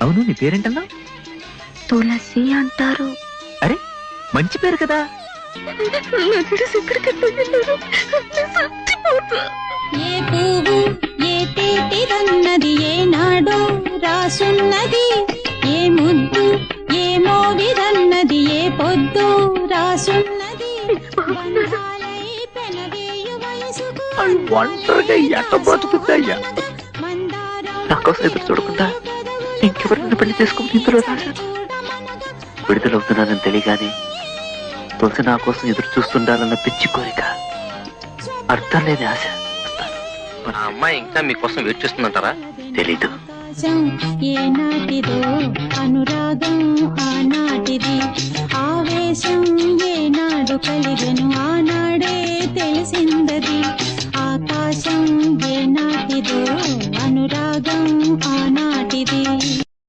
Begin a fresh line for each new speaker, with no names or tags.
అవును, నీ పేరేంటన్నా?
తులసి అంటారు.
అరే, మంచి పేరు కదా.
ఏ పువ్వు ఏ తేటిదన్నది ఏనాడో రాసున్నది, ఏ ముద్దు ఏ మోవిదన్నది ఏ పొద్దు రాసున్నది. బంధాలై పెనవేయు వయసుకు
ఒంటరిగా ఎట్ట బతుకుతాయ్యా? నా కోసం ఎదురు చూడకుండా ఇంకెవరిని పెళ్లి చేసుకుని ఇందులో రాశాను. విడుదలవుతున్నానని తెలియగానే తులసి నా కోసం ఎదురు చూస్తుండాలన్న పిచ్చి కోరిక, అర్థం లేని ఆశ.
ఆ అమ్మాయి ఇంకా మీకోసం వెయిట్ చేస్తుందంటారా?
తెలీదు.
ఏనాటిదో అనురాగం ఆనాటిది, ఆవేశం ఏనాడు కలిగెను ఆనాడే తెలిసిందది. ఆకాశం ఏనాటిదో అనురాగం ఆనా